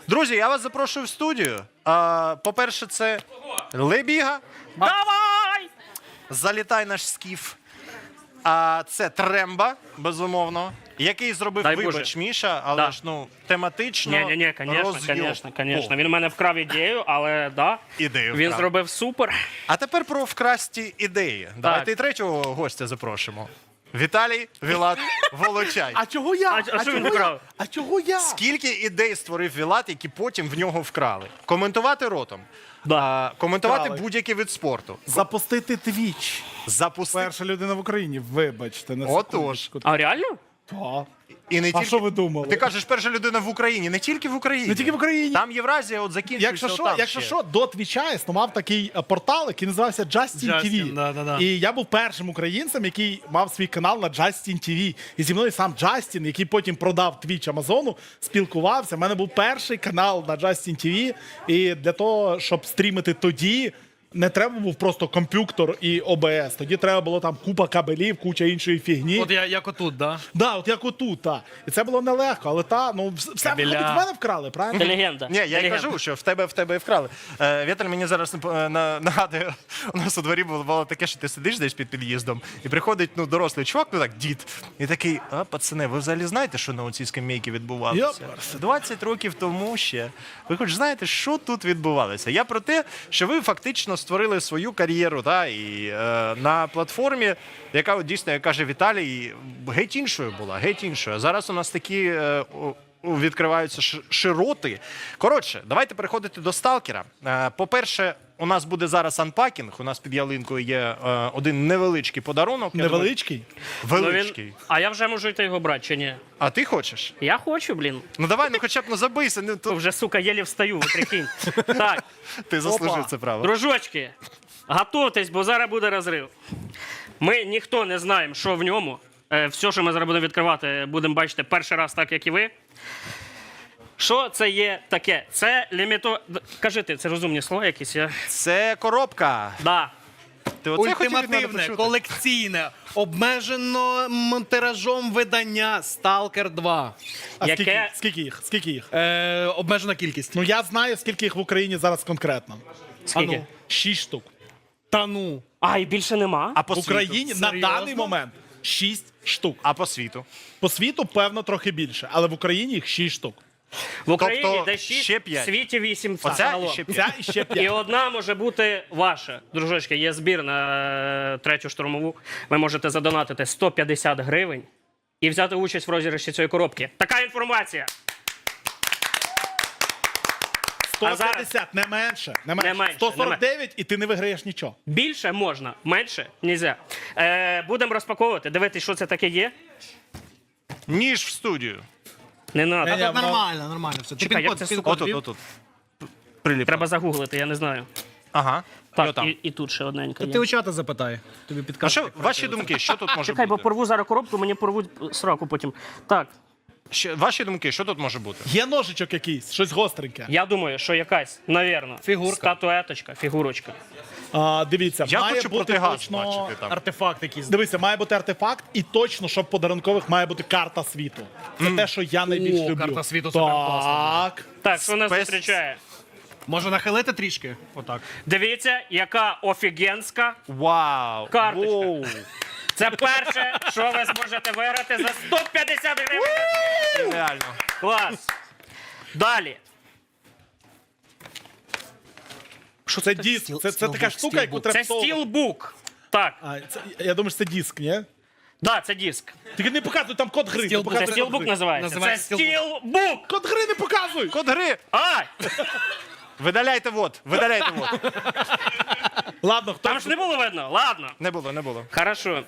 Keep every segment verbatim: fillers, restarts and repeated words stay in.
Друзі, я вас запрошую в студію. А, по-перше, це Лебіга. Давай! Залітай наш скіф. А це Тремба, безумовно, який зробив Дай вибач Боже. Міша, але Да. ж ну тематично. Ні, ні, ні, звісно, роз'єм. звісно, звісно. О, Він у мене вкрав ідею, але да. Ідею Він вкрав. зробив супер. А тепер про вкрасті ідеї. Давайте і третього гостя запрошимо. Віталій Вілат Волочай. А чого я? А- а що він чого вкрав? я? А чого я? Скільки ідей створив Вілат, які потім в нього вкрали? Коментувати ротом. Да. А, коментувати Вкрали. будь-який вид спорту. Запустити твіч. Запустити. Перша людина в Україні, вибачте. На Отож. секундочку. А реально? Та. І не А тільки... що ви думали? Ти кажеш, перша людина в Україні. Не тільки в Україні. Не тільки в Україні. Там Євразія от закінчується. Якщо що, отам якщо ще. що, до твіча існував такий е, портал, який називався Justin ті ві. Justin, да, да, да. І я був першим українцем, який мав свій канал на Justin ті ві. І зі мною сам Джастін, який потім продав твіч Амазону, спілкувався. У мене був перший канал на Justin ті ві. І для того, щоб стрімити тоді, не треба був просто комп'ютер і о бе ес. Тоді треба було там купа кабелів, куча іншої фігні. От я, як отут, да? Да, от як отут, та. І це було нелегко, але та, ну, вс- все Кабеля. виходить, в мене вкрали, правильно? Ти легенда. Ні, я Ти й легенда. кажу, що в тебе в тебе і вкрали. Е, Віталь мені зараз е, на- нагадує, у нас у дворі було, було таке, що ти сидиш десь під під'їздом, і приходить ну, дорослий чувак, ну так, дід, і такий, а, пацани, ви взагалі знаєте, що на оцій скамейці відбувалося? Йоперсе. двадцять років тому ще. Ви хоч знаєте, що тут відбувалося? Я про те, що ви фактично створили свою кар'єру, та, і е, на платформі, яка от, дійсно, як каже Віталій, геть іншою була, геть іншою. А зараз у нас такі е, о- о, відкриваються ш- широти. Коротше, давайте переходити до сталкера. Е, по-перше, у нас буде зараз анпакінг. У нас під ялинкою є е, один невеличкий подарунок. Я Невеличкий. думаю, Ну, величкий. він... А я вже можу йти його брати чи ні? А ти хочеш? Я хочу, блін. Ну давай, ну хоча б ну забийся. Ну, то... Вже, сука, єлі встаю, ви прикинь. Так, Ти заслужив Опа. це право. дружочки, готуйтесь, бо зараз буде розрив. Ми ніхто не знаємо, що в ньому. Е, Все, що ми зараз будемо відкривати, будемо бачити перший раз, так як і ви. Що це є таке? Це ліміто... Д- Кажи ти, це розумні слова якісь? Я... Це коробка. Да. Ти оце хотів від мене Ультимативне, почути? колекційне, обмежено м, тиражом видання Сталкер два. А Яке- скільки, скільки їх? Скільки їх? Е, обмежена кількість. Ну я знаю, скільки їх в Україні зараз конкретно. Скільки? Ану. Шість штук. Та ну. А, і більше нема? А по В Україні світу? на Серйозно? даний момент шість штук. А по світу? По світу, певно, трохи більше, але в Україні їх шість штук. В Україні Тобто десь шість, ще в п'ять. світі вісім. Оця загалом. і ще п'ять. Ця і ще І п'ять. одна може бути ваша. Дружочки, є збір на е, третю штурмову. Ви можете задонатити сто п'ятдесят гривень і взяти участь в розіграші цієї коробки. Така інформація. сто п'ятдесят, не менше. Не менше. Не менше, сто сорок дев'ять і ти не виграєш нічого. Більше можна, менше нельзя. Е, будемо розпаковувати, дивитись, що це таке є. Ніж в студію. Не треба. Ні-ні, воно- Нормально, нормально. Все. Ти Чекай, пін-код, як це, пін-код Отут, ввів? отут. Приліп. Треба загуглити, я не знаю. Ага. І Так, отам. і, і тут ще одненька Ти є. у чата запитай. Тобі А підкаже. що, ваші думки, що тут може Чекай, бо бути? порву зараз коробку, мені порвуть сраку потім. Так, Що- ваші думки, що тут може бути? Є ножичок якийсь, щось гостреньке. я думаю, що якась, навірно, Фігурка. статуеточка, фігурочка. А, дивіться, Я має хочу бути протигаз точно... бачити там. Артефакт якийсь. Дивіться, має бути артефакт, і точно, щоб подарункових має бути карта світу. Це те, що я найбільш О, люблю. карта світу суперкласна. Так. Так, що нас Спес- зустрічає? Може нахилити трішки? Отак. Дивіться, яка офігенська Вау! карточка. Воу. Це перше, що ви зможете виграти за сто п'ятдесят гривень. Реально. Клас. Далі. Що це диск? Це, це така стілбук, штука, яку стілбук. треба. Це всовувати. стілбук. Так, А, це, я думаю, що це диск, ні? да, це диск. Тільки не показуй, там код гри. не Стілбук. показуй Це код стілбук гри. називається. Називається Це стілбук. Код гри не показуй! Код гри! Ай! Видаляйте вот, видаляйте вот. Ладно, хто Там ж не було видно. Ладно. Не було, не було. Хорошо.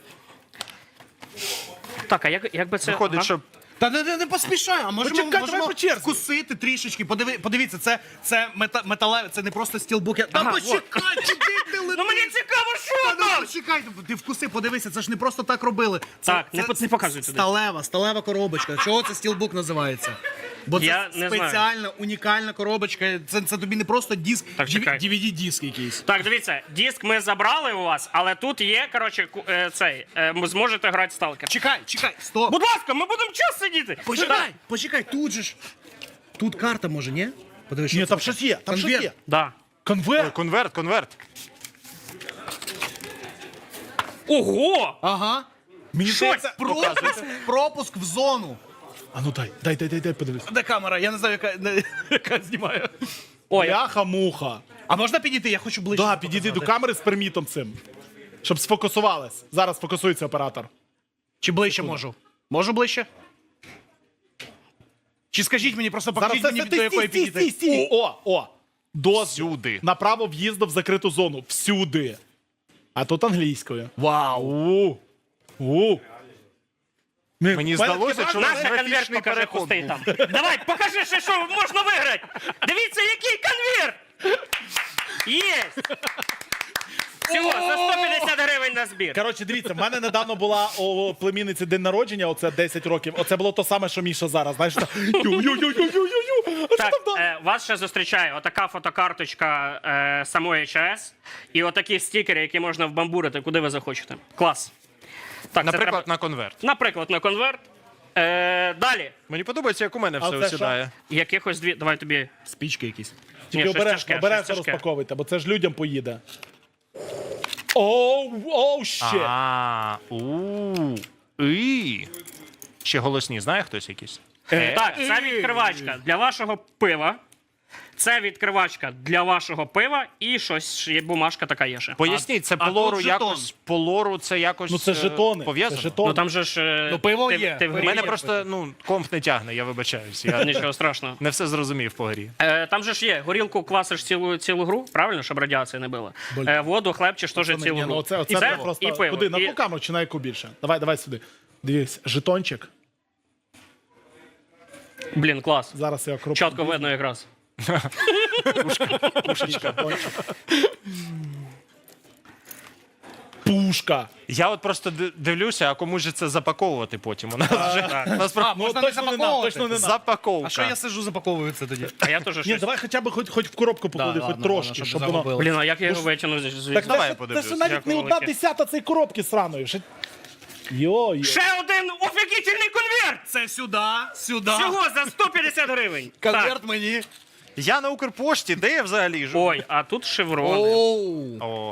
Так, а як, як би це... Виходить, ага. що Та не, не, не поспішай, а можемо, Почекай, можемо давай по черзі. вкусити трішечки. Подиви, подивіться, це, це мета, металеве, це не просто стілбук. Я- Та Ага, почекай, куди ти летиш? Ну мені цікаво, що Та ну там! почекай, ти вкуси, подивися, це ж не просто так робили. Це, Так, не це по- не показуй туди. Сталева, сталева коробочка. Чого це стілбук називається? Бо це Я не знаю. спеціальна, унікальна коробочка. Це, це тобі не просто диск, Так, чекай. ді ві ді-диск якийсь. Так, дивіться, диск ми забрали у вас, але тут є, коротше, ку- е, цей, е, ви зможете грати в сталкер. Чекай, чекай, стоп. Будь ласка, ми будемо час сидіти. Почекай, почекай, тут же ж. тут карта може, ні? Подивись, що Ні, це там таке. щось є, там щось Конверт. є. Да. Ой, Конверт. конверт, конверт. Ого! Ага. Мені Щось здається... Пропуск, пропуск в зону. А ну дай, дай, дай, дай, дай, подивись. Де камера? Я не знаю, яка, не- яка знімає. Ой, Бляха-муха. А можна підійти? Я хочу ближче. Да, підійди до камери з пермітом цим. Щоб сфокусувалась. Зараз фокусується оператор. Чи ближче можу? Можу ближче? Чи скажіть мені, просто Зараз покажіть це, мені, це, до ти, якої стій, стій, підійти. стій, стій. О, о. Дозвіл. Всюди. На право в'їзду в закриту зону. Всюди. А тут англійською. Вау. У. У. Ні, Мені в мене здалося, таке що враження- Наша конверт графічний покажи, переход пустий був. там. Давай, покажи ще, що можна виграти. Дивіться, який конверт. Єсть. Всього, за сто п'ятдесят гривень на збір. Коротше, дивіться, в мене недавно була у племінниці день народження, оце десять років. Оце було то саме, що Міша зараз. Знаєш, так, ю-ю-ю-ю-ю-ю. А що Так, там далі? е, вас ще зустрічає отака фотокарточка е, самої ЧАЕС і отакі стікери, які можна вбамбурити, куди ви захочете. Клас. Так, це Наприклад, треба- на конверт. наприклад, на конверт. Е, далі. Мені подобається, як у мене А все це осідає. Якихось дві. Давай тобі. Спічки якісь. Тільки щось обережно, тяжке, обережно щось тяжке. розпаковуйте, бо це ж людям поїде. Оу, оу, ще. А, у. І. Ще голосні, знає хтось якийсь? Е, Так, це відкривачка для вашого пива. Це відкривачка для вашого пива і щось є бумажка така є ще. Поясніть, це а по лору тут жетон. якось, по лору це якось Ну це е, жетони. Це пов'язано? жетони. Ну там же ж. е, Ну, пиво ти, є. Ти в У грі. мене просто, ну, комп не тягне, я вибачаюсь. Я Нічого страшного. не все зрозумів по грі. Е, там же ж є, горілку квасиш цілу, цілу гру, правильно, щоб радіація не била. Е, воду, хлебчиш теж Пацани, цілу ні, гру. ну, оце, оце і, це це, просто... і пиво. Куди? На і... ту камеру чи на яку більше? Давай, давай сюди. Дивись, жетончик. Блін, клас. Зараз я кроплю. Чітко видно якраз. Пушечка. Пушка. Я от просто ди- дивлюся, а кому ж це запаковувати потім? У нас вже у нас про- А, можна Ну, не точно не нам, запаковувати? точно не нам. запаковка. А що я сижу, запаковую це тоді? А я теж Ні, щось. давай хоча б хоч, хоч в коробку поклади, Да, хоч ладно, трошки, ладно, щоб щоб не воно... загубили. Блін, а як я його витягну звідси? Так Давай це, я ж- це ж подивлюсь. навіть Дякую не одна велике. десята цієї коробки сраної. Ще... Йо-йо. Ще один офігітельний конверт! Це сюди, сюди. Всього за сто п'ятдесят гривень. Так. Конверт мені. Я на Укрпошті, де я взагалі живу? Ой, а тут шеврони. Оу. О,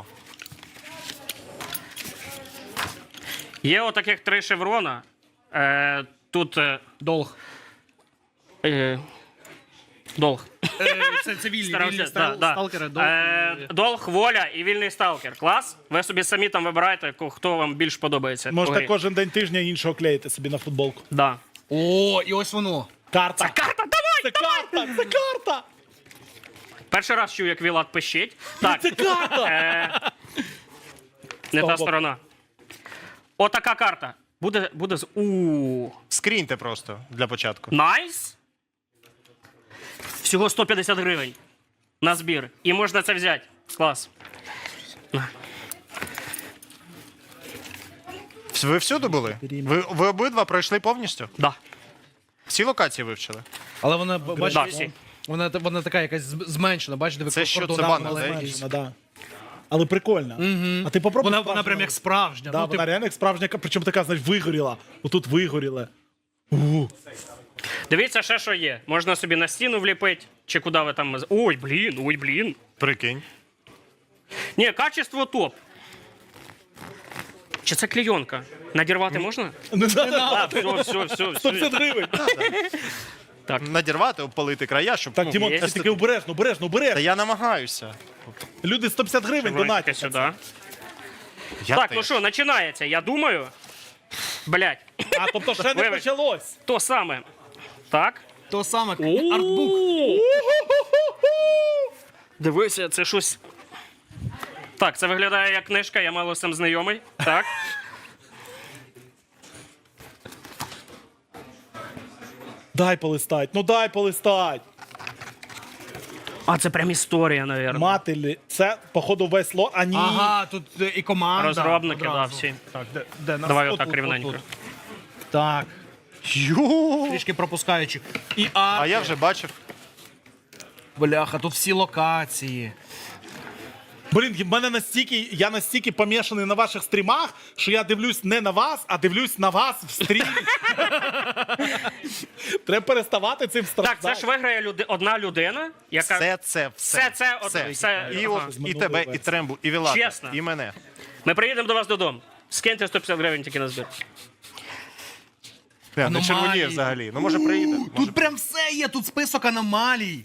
Є отаких три шеврона. Е, тут е, Долг. е, долг. Е, Це цивільні, Старався, вільні да, стал- да. сталкери. Долг. Е, долг, воля і вільний сталкер. Клас. Ви собі самі там вибираєте, ко- хто вам більш подобається. по Можете грі. кожен день тижня іншого клеїти собі на футболку. Да. О, і ось воно. Карта. Карта, давай! Це карта! Це карта! Перший раз чую, як Вілат пищить. Так. Це карта! Е, не того та боку. сторона. Отака карта. Буде, буде з. У. скріньте просто для початку. Найс. Всього сто п'ятдесят гривень на збір. І можна це взяти. Клас. Ви всюди були? Ви, ви обидва пройшли повністю? Да. Всі локації вивчили? Але вона, Да, бачиш, всі. вона, вона така якась з- зменшена, бачите, ви Це що, це кордонами банер, маленькі. да? Меншина, да. Але прикольна. А ти попробуй. Вона, справжню вона прям як справжня. Да, ну, вона типу, реально як справжня, причому така, знаєш, вигоріла. Отут вигоріла. У. Дивіться, ще що є. Можна собі на стіну вліпити, чи куди ви там. Ой, блін, ой, блін. Прикинь. Ні, качество топ. Чи це клейонка? Надірвати можна? Не надо. А, все, все, все, сто все. п'ятдесят гривень. Надірвати, обпалити края, щоб. Так, ну, Дімон, є. ти таки обережно, обережно, Та обережно. я намагаюся. Люди сто п'ятдесят гривень Давайте донатять. сюди. Я Так, теж. ну що, починається. Я думаю. Блять, А, тобто ще не Вибач. почалось. то саме. Так. то саме артбук. О! Дивися, це щось. Так, це виглядає як книжка, я мало з цим знайомий. Так. Дай полистать, ну дай полистать. А це прям історія, навірно. Мателі, це, походу, весь лот. А ні. Ага, тут е, і команда. Розробники, да, одразу. всі. Так, де, де нас? Давай От отак тут, рівненько. от тут. Так, Йо! трішки пропускаючи. І арт. А я вже бачив. Бляха, тут всі локації. Блін, в мене настільки, я настільки помішаний на ваших стрімах, що я дивлюсь не на вас, а дивлюсь на вас в стрімі. Треба переставати цим Так, страждати. це ж виграє люди... одна людина, яка. Все це, все. Все це, от- все- І, ага. от, і тебе, і Трембу, і Вілата, Чесно. і мене. Ми приїдемо до вас додому. Скиньте сто п'ятдесят гривень тільки на збір. Не, не Аномалії. червоніє взагалі. Ну, може, приїде. У, Може. Тут прям все є, тут список аномалій.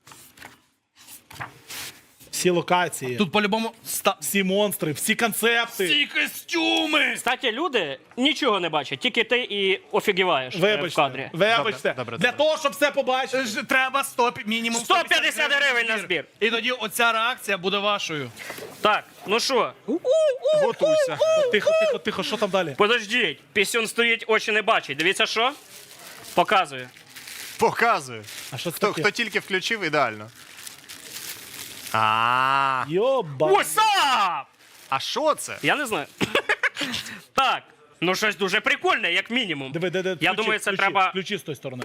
Всі локації, Тут по-любому ста... всі монстри, всі концепти. всі костюми. Кстати, люди нічого не бачать, тільки ти і офігіваєш е, в Вибачте, кадрі. вибачте. Добре, добре, Для добре. того, щоб все побачити. Ж- Треба сто, пі- мінімум сто п'ятдесят гривень на збір. І тоді оця реакція буде вашою. Так, ну що, Готуйся. Тихо, тихо, тихо, що там далі? подождіть, пісюн стоїть, очі не бачить. Дивіться, що? Показую. Показую. А що це Хто, таке? хто тільки включив, ідеально. А, Йоба. What's up? а що це? Я не знаю. Так, ну щось дуже прикольне, як мінімум. Диви, де, де, Я включи, думаю, це включи, треба. Включи з тої сторони.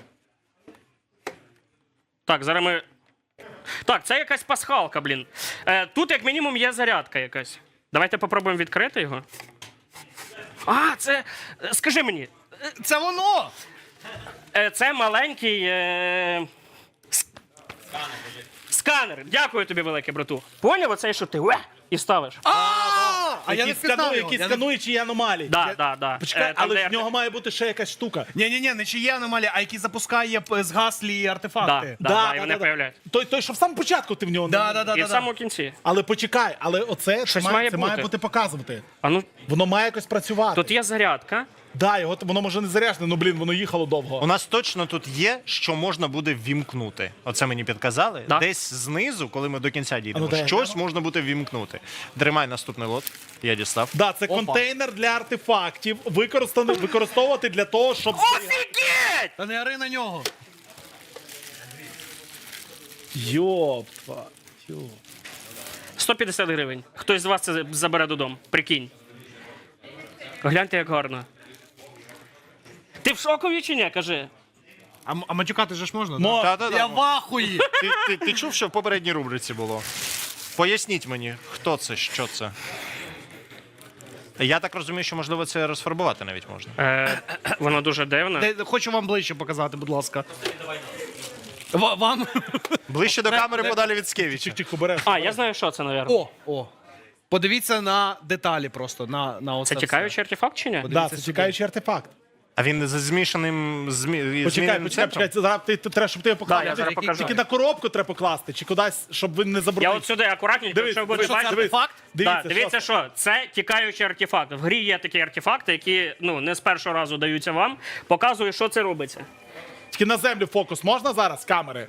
Так, зараз ми. Так, це якась пасхалка, блін. Е, тут, як мінімум, є зарядка якась. Давайте попробуємо відкрити його. А, це. е, Скажи мені, Це воно! е, це маленький. Е... с- Сканер. Дякую тобі, велике, брату. Поняв оцей, що ти уе, і ставиш? А, а я не Які впізнав скану- його. які Я не- скануючі аномалії. Да, да, да. Почекай, Е, там, але де в нього має бути ще якась штука. Ні-ні-ні, не чиї аномалії, а які запускає п- згаслі Да, артефакти. да, да, і вони появляються. Той, той, що в самому початку ти в нього Да, не- да, да, І да, в да. самому кінці. Але почекай, але оце це Щось має, має це має бути. бути показувати. А ну, Воно має якось працювати. тут є зарядка. Да, його воно може не заряджене, ну блін, воно їхало довго. У нас точно тут є, що можна буде ввімкнути. Оце мені підказали. Да. Десь знизу, коли ми до кінця дійдемо, А ну, дай щось можна буде ввімкнути. Тримай наступний лот. Я дістав. Да, це контейнер для артефактів, використаний використовувати для того, щоб Офігеть! Та не ори на нього. Йопа. тю. сто п'ятдесят гривень. Хтось з вас це забере додому. Прикинь. Гляньте, як гарно. Ти в шокові чи ні, кажи? А, м- а матюкати же ж можна? Мо- да? Та-та-та. Я в ахуї. Ти, ти, ти чув, що в попередній рубриці було? Поясніть мені, хто це, що це. Я так розумію, що можливо це розфарбувати навіть можна. Е, воно дуже дивне. Де- Хочу вам ближче показати, будь ласка. Ва- Вам? Ближче до камери подалі від Скевіча. Чик-чик, обереш. А, я знаю, що це, мабуть. О, о. Подивіться на деталі просто, на, на оце Це тікаючий артефакт чи ні? Да, Подивіться це сюди. чекаючий артефакт. А він з змішаним змі... Почекай, зміненим почекай, центром? почекай. Зараз ти, ти треба, щоб ти його Да, я поклав. зараз покажу. Тільки на коробку треба покласти, чи кудись, щоб він не Я забрудив. от сюди акуратненько, Дивись, якщо ви дивись, будете що це бачити. артефакт? Дивіться, Дивіться, да, дивіться, що що це тікаючий артефакт. В грі є такі артефакти, які ну не з першого разу даються вам. Показую, що це робиться. Тільки на землю фокус можна зараз з камери?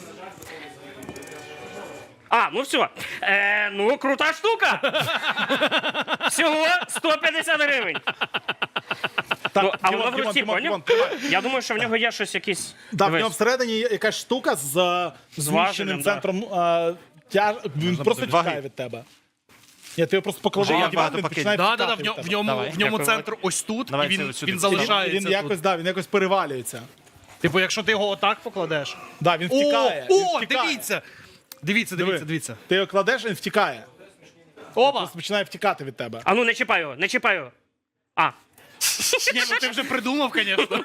А, ну все. Е, ну, крута штука. Всього сто п'ятдесят гривень. Так, Ну, а Дімон, воно в Дімон, руці, Дімон, поняв? Дімон, тримай. Я думаю, що в нього є щось якісь. Да, в Дивись. нього всередині є якась штука з е, зміщеним важелем, центром. е, тяж... Він просто буде. тікає Ваги. від тебе. Ні, ти його просто поклади Вже на як диван, багато він пакетів. починає Да, да, да, втікати в, ньому- від в тебе. ньому, Давай. в ньому Дякую. центр ось тут, Давай і він, це от сюди. він Він- Він, залишається. він якось, тут. да, він якось перевалюється. Типу, якщо ти його отак покладеш. Да, він втікає. О, він о, втікає. дивіться. Дивіться, Диви. дивіться, дивіться. Ти його кладеш, він втікає. Оба! Просто починає втікати від тебе. А ну не чіпай його, не чіпай його. А, Ні, ну ти вже придумав, звісно.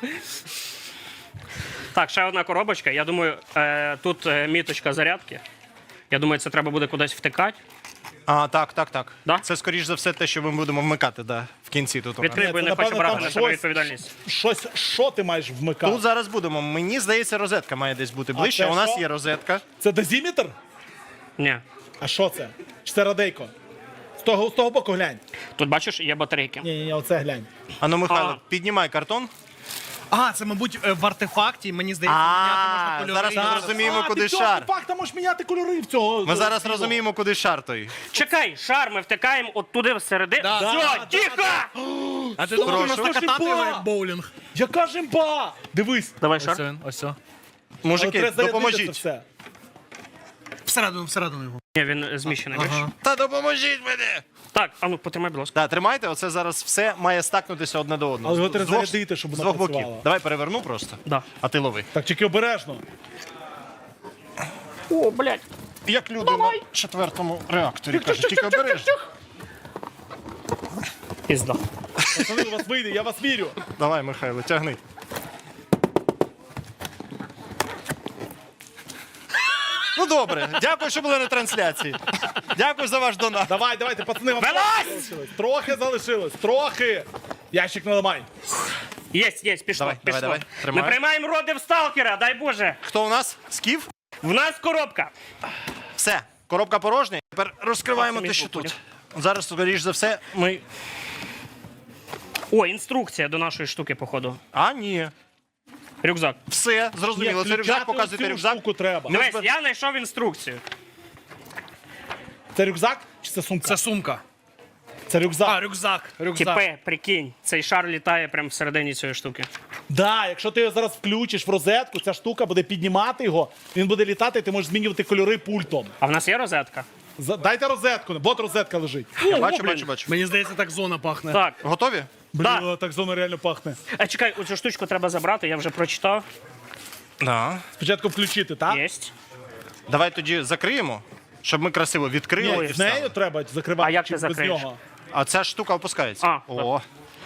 так, ще одна коробочка. Я думаю, е, тут е, міточка зарядки. Я думаю, це треба буде кудись втикати. А, так, так, так. Да? Це, скоріш за все, те, що ми будемо вмикати, да, в кінці тут. у нас. Відкрий, Ні, бо я це, не хочу напевно, брати там на себе щось- відповідальність. Щось, що ти маєш вмикати? Тут зараз будемо. Мені здається, розетка має десь бути ближче. це У нас що? є розетка. Це дозіметр? Ні. А що це? Чи це радейко? З того, з того боку глянь. Тут бачиш, є батарейки. Ні, ні, ні, оце глянь. Ану, Михайло, А. піднімай картон. А, це, мабуть, е, в артефакті, мені здається, міняти можна А, кольори. зараз ми зрозуміємо, а, куди ти цього шар. артефакта можеш міняти кольори в цього. Ми зараз цього. розуміємо, куди шар той. Чекай, шар ми втикаємо от туди всередину. Да. Все, Да, да, тихо! А ти думаєш, Прошу. просто катати Жимба! його як боулінг? Яка жимба! Дивись. Давай Ось шар. він, ось він. Але Мужики, треба зарядити це допоможіть. все. Всередину, всередину його. Ні, він е, зміщений, бачиш? Ага. Та допоможіть мені! Так, а ну потримай, будь ласка. Так, тримайте, оце зараз все має стакнутися одне до одного. Але його З- треба з двох- зарядити, щоб з воно двох боків. працювало. Давай переверну просто. Да. А ти лови. Так, тільки обережно. О, блядь. як люди на четвертому реакторі. Кажуть, тільки обережно. Пізда. Пацани, у вас вийде, я вас вірю. Давай, Михайло, тягни. Ну добре, дякую, що були на трансляції. Дякую за ваш донат. Давай, давайте, пацани, вам Вилазь! трохи залишилось. Трохи залишилось, трохи. Ящик наламай. Єсть, єсть, пішло, Давай, пішло. давай, давай. Ми Тримаю. приймаємо роди в сталкера, дай Боже. Хто у нас? Скіф? В нас коробка. Все, коробка порожня. Тепер розкриваємо Так, те, що самі тут. Зараз, скоріш за все, ми. О, інструкція до нашої штуки, походу. А, ні. Рюкзак. Все, зрозуміло. Це рюкзак, показуйте рюкзак. Штуку треба. Дивись, я знайшов інструкцію. Це рюкзак чи це сумка? Це сумка. Це рюкзак. А, рюкзак. Рюкзак. Тіпе, прикинь, цей шар літає прямо всередині цієї штуки. Да, якщо ти його зараз включиш в розетку, ця штука буде піднімати його, він буде літати, і ти можеш змінювати кольори пультом. А в нас є розетка? За- Дайте розетку, от розетка лежить. Я О, бачу, блін. бачу, бачу. Мені здається, так зона пахне. Так. Готові? Блін, Да. так зона реально пахне. А чекай, оцю штучку треба забрати, я вже прочитав. Да. Спочатку включити, так? Єсть. Давай тоді закриємо, щоб ми красиво відкрили. Ні, і з нею встали. треба закривати. А як чи ти без закриєш? нього? А ця штука опускається. А, О.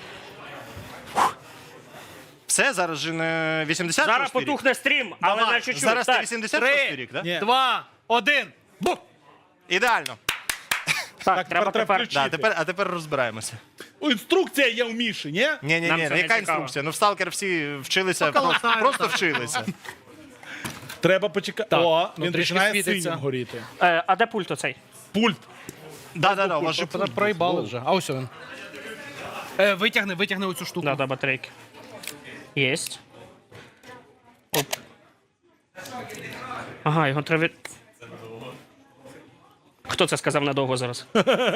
Все, зараз же не вісімдесят Зараз шостий рік? потухне стрім, але Давай. на чуть-чуть. Зараз не Так, вісімдесят шостий Три, рік, так? Ні. два, один. Бух! Ідеально. так, Так, треба тепер треба тепер. включити. Да, тепер, а тепер розбираємося. О, інструкція є у Міші, ні? Ні, ні, Нам ні, це не яка цікаво. інструкція? Ну в Сталкер всі вчилися, Поколотаю, просто, просто так. вчилися. Треба почекати. Так, О, ну, він трішки починає світиться. синім горіти. Е, а де пульт оцей? Пульт. Да, да, да, у вас же пульт. Проїбали вже. А ось він. Е, витягни, витягни оцю штуку. Да, да, батарейки. Єсть. Оп. Ага, його треба. від- Хто це сказав надовго зараз?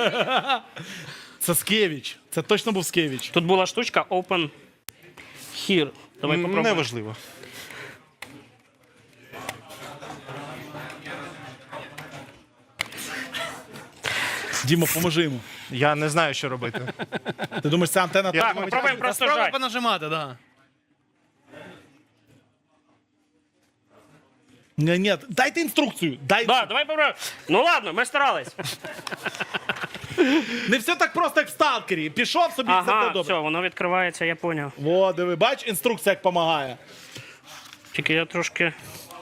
Це Скевіч. Це точно був Скевіч. Тут була штучка Open Here. Давай попробуємо. Неважливо. Діма, поможи йому. Я не знаю, що робити. Ти думаєш, це антенна Я Так, думаю, попробуємо просто Спробуй жать. понажимати, да. Ні, ні, дайте інструкцію. Дай... Да, давай попробуємо. Ну ладно, ми старались. Не все так просто, як в сталкері. Пішов собі, все Ага, буде добре. все, воно відкривається, я поняв. Во, диви, бач, інструкція як допомагає. Тільки я трошки.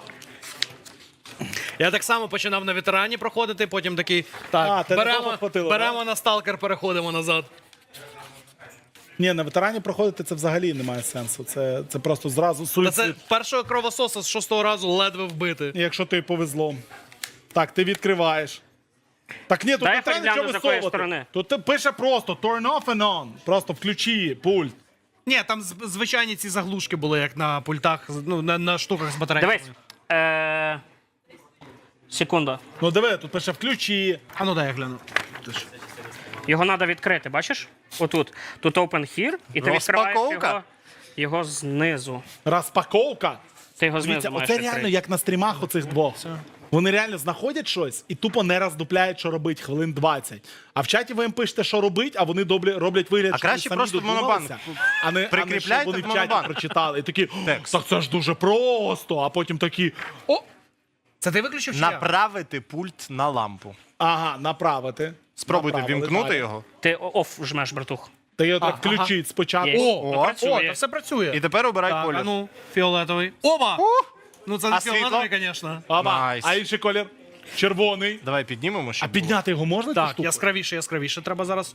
Я так само починав на ветерані проходити, потім такий. Так, А, тебе беремо, довго хватило, беремо на сталкер, переходимо назад. Ні, на ветерані проходити це взагалі немає сенсу. Це, це просто зразу Та суїцид. це першого кровососа з шостого разу ледве вбити. Якщо ти повезло. Так, ти відкриваєш. Так ні, тут Дай не треба пригляну, нічого з якої висовувати. сторони. Тут ти пише просто turn off and on. Просто включи пульт. Ні, там з- звичайні ці заглушки були, як на пультах, з- ну, на, на штуках з батарейками. Дивись. Е... Секунда. Ну диви, тут пише включи. А ну дай я гляну. Його треба відкрити, бачиш? Отут. Тут Open Here, і ти відкриваєш Розпаковка. його, його знизу. Розпаковка. Ти його знизу Дивіться, маєш оце відкрити. реально як на стрімах оцих двох. Вони реально знаходять щось і тупо не роздупляють, що робить хвилин двадцять. А в чаті ви їм пишете, що робить, а вони добре роблять вигляд, А що вони краще самі просто в додумалися, монобанк. а не, а не що Прикріпляйте вони в в чаті монобанк. прочитали. І такі, Текст. так це ж дуже просто. А потім такі, о, Це ти виключив чи я? Направити пульт на лампу. ага, направити. Спробуйте Направили, вімкнути так. його. Ти оф жмеш, братух. Ти його так ага. включить спочатку. Є. О, Ну, о, працює. та все працює. І тепер обирай Так, колір. а ну, фіолетовий. Оба! Ну це не А світло? фіолетовий, звісно. Ага. Найс. А інший колір червоний. Давай піднімемо, щоб А підняти його можна? цю Так, штуку? яскравіше, яскравіше. Треба зараз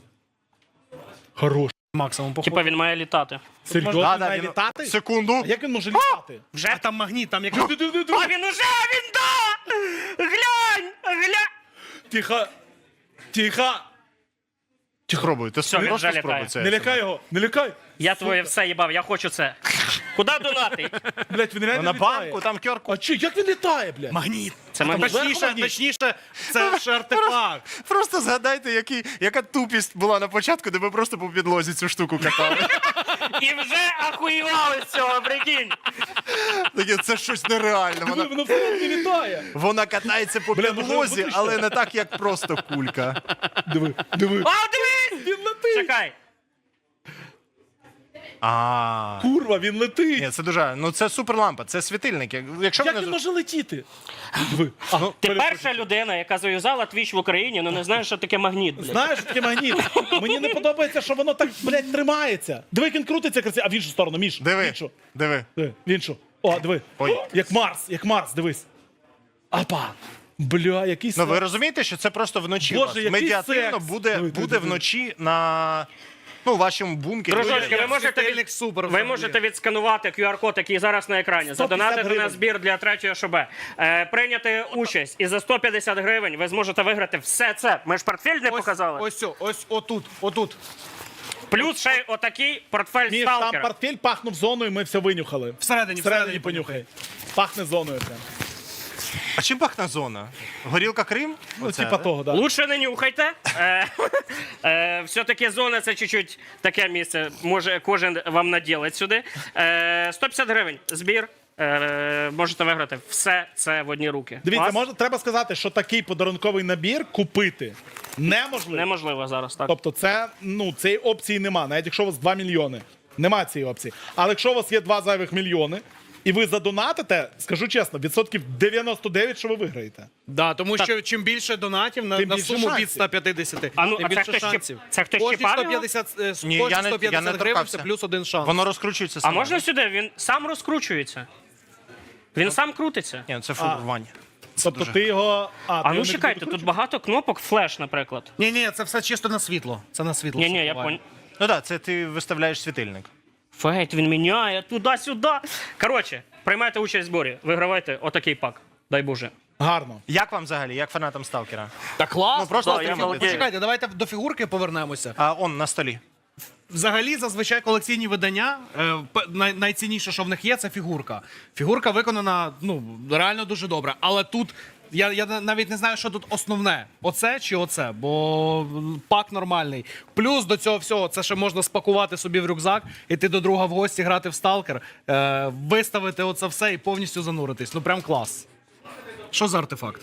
Хорош. максимум походу. Типа він має літати. Серйозно, було. Да, він да, має він- літати? Секунду. А як він може літати? Вже? А там магніт, там як... А він уже, він да! Глянь! Глянь! Тихо. Тихо. Спробуй, ти Все, він просто вже спробуй літає. це. Не лякай його, не лякай. Я твоє все їбав, я хочу це. Куди донати? Блять, він реально На літає. банку, там кьорку. А чи, як він літає, блядь? Магніт. Це там магніт. зверху Точніше, магніт? точніше, це ж артефакт. Просто згадайте, який, яка тупість була на початку, де ви просто по підлозі цю штуку катали. І вже ахуєвали з цього, прикинь. Таке, це щось нереальне. Диви, Вона, воно все не літає. вона катається по Бля, може, підлозі, виключно? але не так, як просто кулька. Диви, диви. А, дивись! Він летить. Чекай. А, Курва, він летить. ні, це дуже. Ну це суперлампа, це світильник. Як- Якщо Як ви він не може летіти? Диви. А, Ну, Ти перепрошую. перша людина, яка зав'язала твіч в Україні, але не знаєш, що таке магніт, блядь. Знаєш, що таке магніт? Мені не подобається, що воно так, блядь, тримається. Диви, як він крутиться красиво. А в іншу сторону, Міш. В диви, іншу. диви. Диви, в іншу. О, диви. Ой. Як Марс, як Марс, дивись. Апа. Бля, який Ну ви секс. розумієте, що це просто вночі. Боже, у вас. який Медіативно секс. буде, Диви, диви, буде диви. вночі на ну, вашому бункері. Дружочки, ви можете, світильник від... супер ви взагалі. можете відсканувати ку ар-код, який зараз на екрані, сто п'ятдесят задонатити на гривень. збір для третьої ШБ, е, прийняти участь, і за сто п'ятдесят гривень ви зможете виграти все це. Ми ж портфель не показали. Ось, ось, ось отут, отут. Плюс ще й отакий портфель Міш, там сталкера. портфель пахнув зоною, ми все винюхали. Всередині, Всередині всередині понюхай. Пахне зоною прям. А чим пахне зона? Горілка Крим? Ну, Оце, типа да? того, да. Лучше не нюхайте. Е, е, все-таки зона це чуть-чуть таке місце. Може кожен вам наділить сюди. Е, сто п'ятдесят гривень збір. Е, можете виграти все це в одні руки. Дивіться, Клас? може, треба сказати, що такий подарунковий набір купити неможливо. Неможливо зараз, так. Тобто це, ну, цієї опції нема, навіть якщо у вас два мільйони. Нема цієї опції. Але якщо у вас є два зайвих мільйони, і ви задонатите, скажу чесно, відсотків дев'яносто дев'ять, що ви виграєте. Да, тому що чим більше донатів на, Тим на більше суму шансів. від сто п'ятдесят, А ну, тим а це більше хтось шансів. щіп- це хтось Кожні щіпав сто його? п'ятдесят, е, Ні, кожні я не- сто я п'ятдесят не гривень торкався. це плюс один шанс. Воно розкручується А саме. можна сюди? Він сам розкручується. Він сам крутиться. Ні, це фурування. Тобто ти його. А, ти А його ну не чекайте, докручуєш? тут багато кнопок, флеш, наприклад. Ні, ні, це все чисто на світло. Це на світло. Ні, все ні, я впливає. понял. Ну так, це ти виставляєш світильник. Фейт, він міняє туди-сюди. Коротше, приймайте участь в зборі, вигравайте отакий пак. Дай Боже. Гарно. Як вам взагалі, як фанатам Сталкера? Та клас. Ну, просто да, ти я фігури. молодець. Почекайте, давайте до фігурки повернемося. А он на столі. Взагалі, зазвичай колекційні видання, е, п- най- найцінніше, що в них є, це фігурка. Фігурка виконана ну, реально дуже добре. Але тут я, я на- навіть не знаю, що тут основне: оце чи оце, бо м, пак нормальний. Плюс до цього всього, це ще можна спакувати собі в рюкзак, іти до друга в гості, грати в сталкер, е, виставити оце все і повністю зануритись. Ну прям клас. Що за артефакт?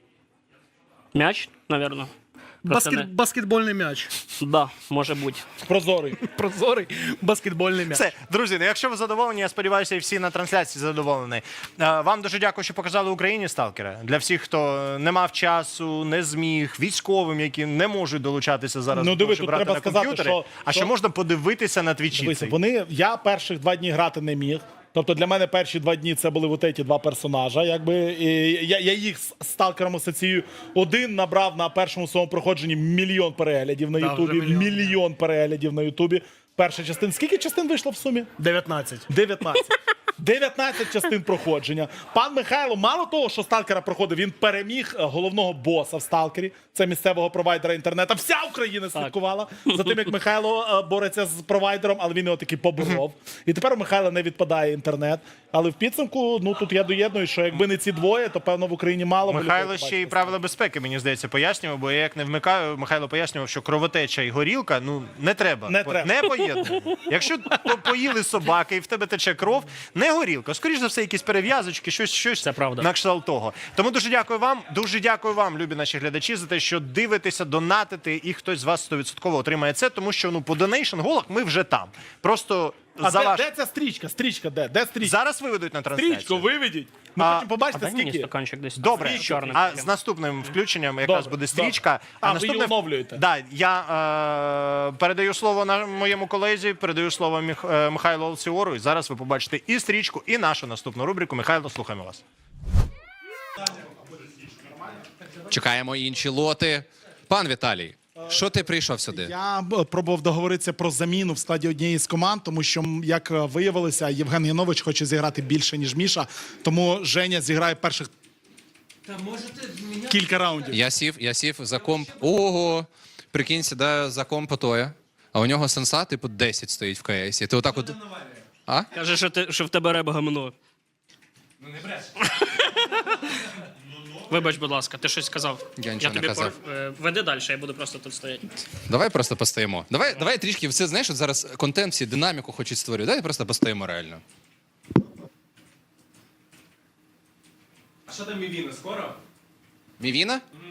М'яч, напевно. Баскет, баскетбольний м'яч. Да, може бути. Прозорий. Прозорий баскетбольний м'яч. Все, друзі, ну якщо ви задоволені, я сподіваюся, і всі на трансляції задоволені. Е, Вам дуже дякую, що показали Україні Сталкера. Для всіх, хто не мав часу, не зміг, військовим, які не можуть долучатися зараз, Ну, до диви, того, щоб тут грати треба на сказати, комп'ютері, що- а ще що- можна подивитися на твічі. Дивися, цей. вони, я перших два дні грати не міг. Тобто для мене перші два дні це були от ці два персонажа. Якби, і я, я їх з сталкером асоціюю. Один набрав на першому своєму проходженні мільйон переглядів на Да, Ютубі. вже мільйон. Мільйон переглядів на Ютубі. Перша частина. Скільки частин вийшло в сумі? дев'ятнадцять. дев'ятнадцять. дев'ятнадцять частин проходження. Пан Михайло, мало того, що сталкера проходив, він переміг е, головного боса в сталкері. Це місцевого провайдера інтернету. Вся Україна слідкувала за тим, як Михайло е, бореться з провайдером, але він його таки поборов. І тепер у Михайла не відпадає інтернет. Але в підсумку, ну тут я доєдную, що якби не ці двоє, то певно в Україні мало би Михайло людей ще й побачити. правила безпеки, мені здається, пояснював, бо я як не вмикаю, Михайло пояснював, що кровотеча і горілка, ну, не треба. Не треба. Не поєднує. Якщо по- поїли собаки і в тебе тече кров, не горілка. Скоріш за все, якісь перев'язочки, щось, щось Це правда. на кшталт того. Тому дуже дякую вам, дуже дякую вам, любі наші глядачі, за те, що дивитеся, донатите, і хтось з вас сто відсотків отримає це, тому що ну, по донейшн голах ми вже там. Просто А за де, ваш... де ця стрічка? Стрічка де? Де стрічка? Зараз виведуть на трансляцію. Стрічку виведіть. Ми А- хочемо побачити, Дай мені скільки. стаканчик десь. Добре, Чорний. а з наступним включенням якраз Добре, буде стрічка. добре. А, ви її оновлюєте? Да, я е, передаю слово на моєму колезі, передаю слово Міх, е, Михайлу Алсіору. І зараз ви побачите і стрічку, і нашу наступну рубрику. Михайло, слухаємо вас. Чекаємо інші лоти. Пан Віталій, що ти прийшов сюди? Я б пробував договоритися про заміну в складі однієї з команд, тому що, м, як е, виявилося, Євген Янович хоче зіграти більше, ніж Міша. Тому Женя зіграє перших кілька раундів. Я сів, я сів за комп. Ого! Прикинь, сідаю за комп Отоя, а у нього сенса, типу, десять стоїть в КС. І ти отак от. А? Каже, що, ти, що в тебе реба гамно. Ну не бреш. Вибач, будь ласка, ти щось сказав. Я нічого не тобі казав. пор- е, Веди далі, я буду просто тут стояти. Давай просто постоїмо. Давай, давай трішки, все знаєш, от зараз контент, всі динаміку хочуть створювати. Давай просто постоїмо реально. А що там Мівіна скоро? Мівіна?